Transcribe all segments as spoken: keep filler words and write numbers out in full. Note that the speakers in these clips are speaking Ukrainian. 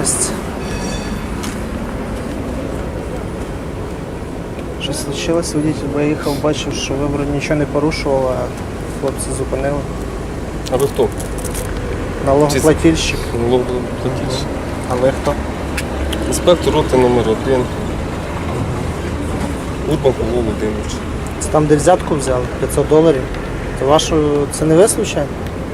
Здрасте. Що случилось? Водитель виїхав, бачив, що ви вроді нічого не порушували, а хлопці зупинили. А ви хто? Налогоплательщик. Налогоплательщик. А ви хто? Інспектор роти номер один. Урбан Павло Володимирович. Це там, де взятку взяли, п'ятсот доларів. Це вашу... Це не ви, случайно?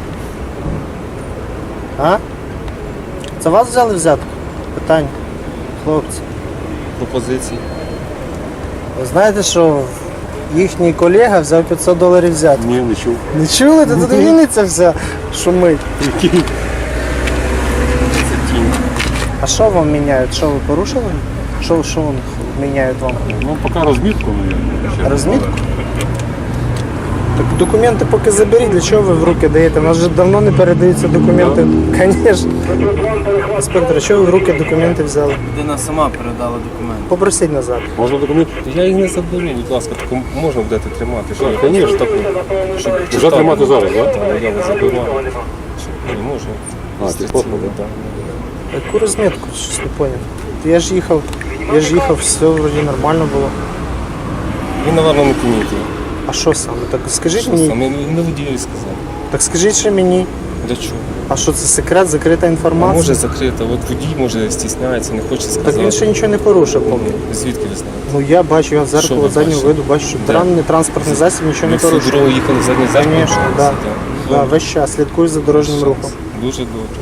А? Це вас взяли взятку? Питання. Хлопці. Пропозиції. Ви знаєте, що їхній колега взяв п'ятсот доларів взятку? Ні, не чув. Не чули? Та тут Вінниця вся шумить. Який? Це тінь. А що вам міняють? Що ви порушили? Що, що вам міняють вам? Ну, поки розмітку, мабуть. Розмітку? Так документи поки заберіть, для чого ви в руки даєте? У нас вже давно не передаються документи. Звісно. Інспектор, чого ви в руки документи взяли? Людина сама передала документи. Попросіть назад. Можна документи? Я їх не заберу, будь ласка, таку можна будете тримати. Що, звісно, таку. Щоб Вже тримати зараз, так? Так, я вас заберу. Ні, можна. А, ти походу, так. Яку розмітку? Щось не зрозумів. Я ж їхав, я ж їхав, все вроді нормально було. Він, напевно, не помітив. А що саме? Так скажіть Що мені. саме? Не водієві сказав. Так скажіть ще мені. Для чого? А що це секрет, закрита А інформація? може закрита, от водій може стісняється, не хоче сказати. Так він ще нічого не порушив, поки. Звідки ви знаєте? Ну я бачу, я в Що зеркало ви заднього бачите? виду бачу, що Де? транспортний транспортний засіб нічого Ми не всю порушив. дорогу їхали задній зеркало. Звісно, так. Да. Да, весь час слідкую за дорожнім рухом. Дуже добре.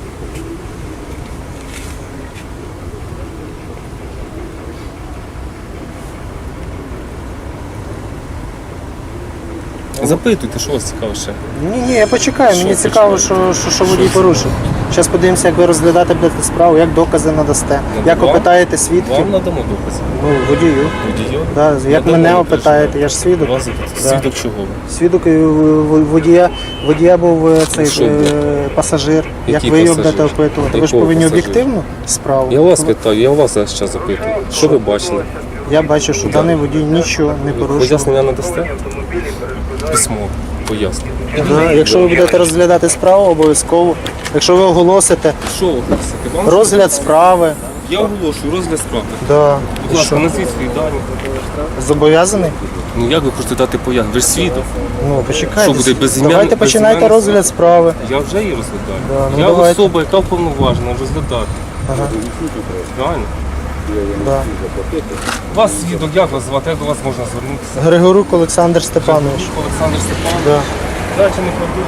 Запитуйте, що вас цікаво ще. Ні, ні, я почекаю, мені Що цікаво, що, що, що водій порушив. Зараз подивимося, як ви розглядаєте будете справу, як докази надасте, як Вам? опитаєте свідків. Вам надамо докази. Ну, водію. Водію? Да, як Надамо мене докази. опитаєте, я ж свідок. Вас Да. свідок чого? Свідок е, в- водія, водія був е, цей Що е, був? пасажир. Як Який ви його пасажир? будете опитувати? Ви ж Якого повинні пасажира? об'єктивну справу. Я вас питаю, я вас зараз запитую. Що ви бачили? Я бачу, що даний водій нічого не порушив. Пояснення надасте? Письмо. Пояснення. Да, якщо ви будете розглядати справу, обов'язково. Якщо ви оголосите Що ви хочете? Вам розгляд справи, Я оголошую розгляд справи. да. Будь ласка, назвіть свої дані. Зобов'язаний? Ну як ви хочете дати пояснення? Ви ж свідок. Ну, почекайте. Що буде, безім'ян- Давайте починайте безім'янний розгляд справи. Я вже її розглядаю. Да, ну я давайте. особа, яка вповноважена розглядати. Ага. Правильно? Да. Вас свідок, як вас звати, як до вас можна звернутися? Григорук Олександр Степанович. Олександр Степанович. Да. Далі не правдивий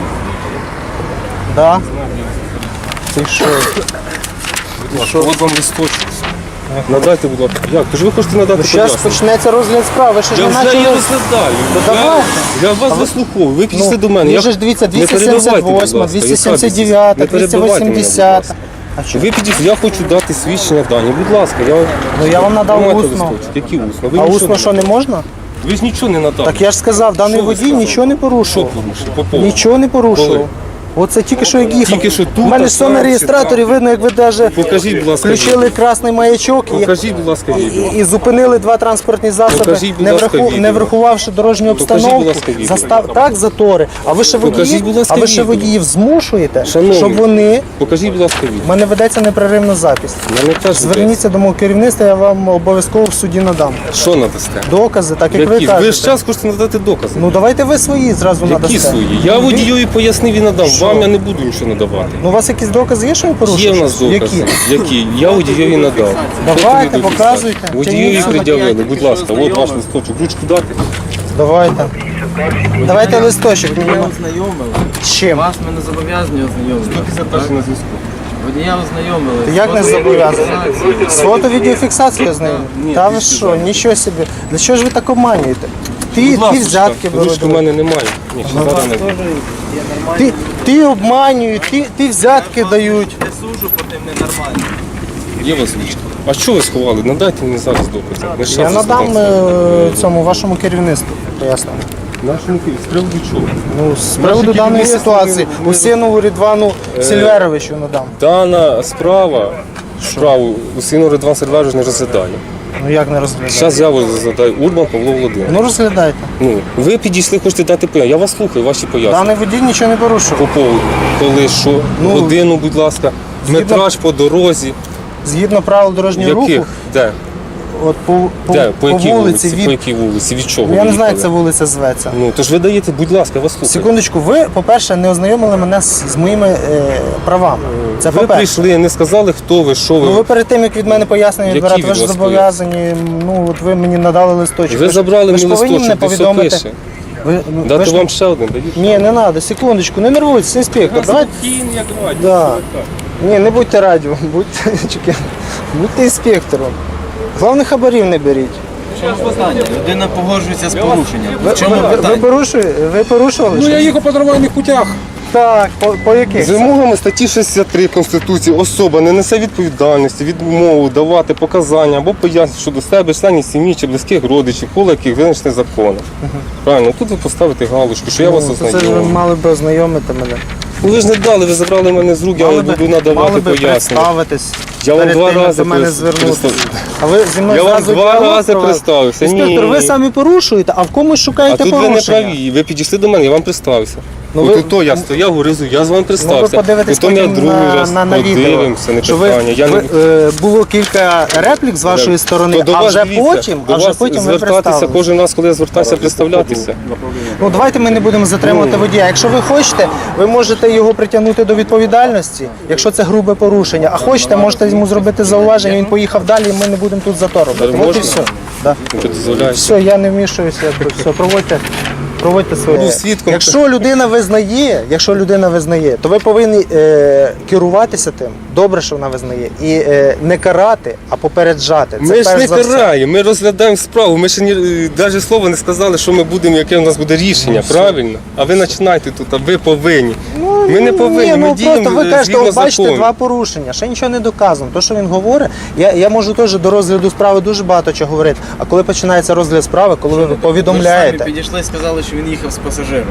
Да. свідок. Ти що? Будь ласка, от вам листочок. Надайте, будь ласка. Як? Тож ви хочете надати Зараз пояснення? почнеться розгляд справи. Ви ще ж Я не вже її почали. розглядаю. Та Я- давайте. Я вас вислуховую. Ви підійшли Ну, до мене. ви Я- ж дивіться, Не двісті перебивайте, сімдесят будь восьма, ласка. двісті Яка сімдесят двісті? дев'ята, Не двісті перебивайте мене, будь вісімдесят. ласка. А що? Ви підійшли, я хочу дати свідчення дані. Будь ласка, я... Ну я вам надав Тримайте усно. листочок. Які усно? Ви А нічого усно що не надали. можна? Ви ж нічого не надали. Так я ж сказав, даний Що ви водій сказали? нічого не Що порушував. порушив? По поводу? Нічого не порушував. Коли? Оце тільки що як їхав. Тільки що тут, У мене а ж все на там, реєстраторі, чи там? видно, як ви навіть Покажіть, будь ласка, включили відео. красний маячок і, Покажіть, будь ласка, відео. і, і зупинили два транспортні засоби, Покажіть, будь не, ласка, враху, відео. не врахувавши дорожню Покажіть, обстановку. будь ласка, відео. Застав так затори. А ви ще Покажіть, водіїв, будь ласка, а ви ще відео. водіїв змушуєте, Шановні. щоб вони. Покажіть, будь ласка, відео. У мене ведеться непреривна запись. Мене теж Зверніться до мого керівництва, я вам обов'язково в суді надам. йде. Що надасте? Докази, так як Які? ви Ви ж кажете. час хочете надати докази. Ну давайте ви свої зразу Які надасте. свої? Я Ви- водієві пояснив і надав. Що? Вам я не буду нічого надавати. Ну у вас якісь докази є, що ви порушили? Є в нас щось? докази. Які? Які? Я водієві надав. Давайте, Що тобі показуйте. доказати? Водієві Тягніть пред'явили. Будь ласка, от ваш листочок. Ручку дати. Давайте. Давайте листочок мені. Водія ознайомили. З чим? Вас ми не зобов'язані ознайомити. Це перший на зв'язку. Водія ознайомили. Як не зобов'язані? З фото-відеофіксацією з нею? Ні, Та ви більше що, нічого собі. Для чого ж ви так обманюєте? Ти, Будь ласка, ти взятки ручки в беруть. мене немає. Ні, ще зараз не. Ти, ти обманюють, ти, ти взятки дають. Не сужу по тим ненормальним. Є у вас ручка. А що ви сховали? Надайте мені зараз докази. Не Я щас надам задам. е, цьому вашому керівництву пояснення. Нашому Києві. З приводу чого? Ну, з приводу Наше даної керівництво ситуації, не- не- Усінову Рідвану Сільверовичу надам. Дана справа, справу Усіну Ридван Сильверович не розглядає. Ну як не розглядати? Зараз я розглядаю Урбан Павло Володимирович. Ну розглядайте. Ну, ви підійшли, хочете дати пояснення. Я вас слухаю, ваші пояснення. Даний водій нічого не порушував. По поводу, коли що, Ну, годину, будь ласка, згідно- метраж по дорозі. згідно правил дорожнього Яких? руху, Де? от по, по, Де? По, якій вулиці, вулиці? від... По якій вулиці? Від чого? Я ви не знаю, як їхали? ця вулиця зветься. Ну, то ж ви даєте, будь ласка, я вас слухаю. Секундочку, ви, по-перше, не ознайомили мене з, з моїми е, правами. Це Ви по-перше. прийшли, не сказали, хто ви, що ви. Ну ви перед тим, як від мене пояснення Які відбирати, від ви ж вас зобов'язані, ну от ви мені надали листочок. Ви ж- забрали ви ж мені повинні мене листочок, де все повідомити. пише. Ви, ну, ви Дати ж- вам ще один, дають? Ні, не треба, секундочку, не нервуйтесь, інспектор. Давайте. Да. Ні, не будьте радіо, будьте, чекай, будьте інспектором. Головне, хабарів не беріть. Питання. Людина погоджується з порушенням. Ви, В чому ви, ви, питання? порушує- ви порушували? Ну я щось? їхав по нормальних путях. Так, по, по яких? З вимогами статті шістдесят три Конституції особа не несе відповідальності, відмову давати показання або пояснення щодо себе, членів сім'ї чи близьких родичів, коло яких визначений законом. Правильно, тут ви поставите галочку, що я вас Ну, то це ж ви ознайомив. мали б ознайомити мене. Ну ви ж не дали, ви забрали мене з рук, я Мали вам би- буду надавати мали би пояснення. представитись. Я вам перед два тим, як рази до мене прис- звернутися. представ- А ви зі мною Я вам зразу два діалог рази провели? представився. Інспектор, Ні. ви самі порушуєте, а в комусь А шукаєте тут ви не порушення. праві, ви підійшли до мене, я вам представився. Ну, Ну, ви- От то я стояв, горизу, я з вами Ну, ви представився. подивитесь Потім я потім другий на, раз на, на відео. подивимося, не що ви, питання. Я ви, не... е, було кілька реплік з вашої сторони, То до а вас вже дивіться, потім, до а вже вас потім ви звертатися представились. кожен раз, коли я звертаюся, представлятися. Ну давайте ми не будемо затримувати Ну. водія. Якщо ви хочете, ви можете його притягнути до відповідальності, якщо це грубе порушення. А хочете, можете йому зробити зауваження, він поїхав далі, і ми не будемо тут зато робити. Так От і можна? все. Да. Що дозволяєш? Все, я не вмішуюся, я тут все, проводьте. Проводьте своє. Був свідком. Якщо людина визнає, якщо людина визнає, то ви повинні е, керуватися тим. Добре, що вона визнає, і е, не карати, а попереджати. Це Ми ж перш не за все. караємо, ми розглядаємо справу. Ми ще ні, навіть слова не сказали, що ми будемо, яке у нас буде рішення, правильно? А ви починайте тут, а ви повинні. ми не повинні, Ні, ми ну діємо просто ви е, кажете, згідно от бачите, закону. два порушення, ще нічого не доказано. То, що він говорить, я, я можу теж до розгляду справи дуже багато чого говорити. А коли починається розгляд справи, коли ви Ви ж повідомляєте, самі підійшли і сказали, що він їхав з пасажиром.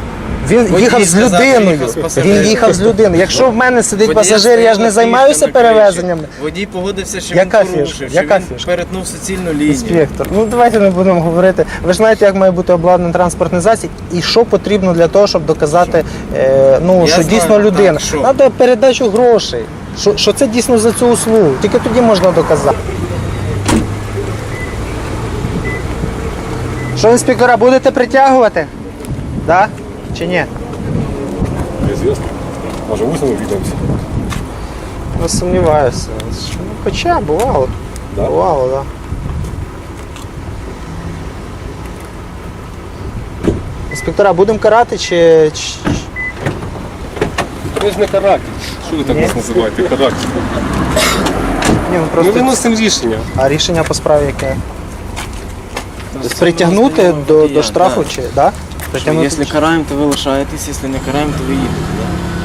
він Водій їхав з сказав, людиною. їхав з пасажиром. Він їхав з людиною. Якщо в мене сидить Водій пасажир, я ж не стояв займаюся на фішках, перевезеннями. Водій погодився, що Яка він порушив, фішка? що Яка він фішка? перетнув суцільну лінію. Інспектор, ну давайте не будемо говорити. Ви ж знаєте, як має бути обладнаний транспортний засіб і що потрібно для того, щоб доказати, е, ну, Я що знаю, дійсно так, людина. що? Треба передачу грошей. Що, що це дійсно за цю услугу. Тільки тоді можна доказати. Що, інспектора, будете притягувати? Да? Чи ні? Неізвісно. Може, усно увидимося. Ну, сумніваюся. Ну, хоча бувало. Да? Бувало, так. Да. Інспектора, будемо карати чи. чи- Ми ж не каратель. Що ви так Ні. нас називаєте? Каратель. Ні, ну Ми просто. виносимо рішення. А рішення по справі яке? Тобто притягнути до, до штрафу чи. Да? Що, Притягнути. Якщо караємо, то ви лишаєтесь, якщо не караємо, то ви їдете. Да?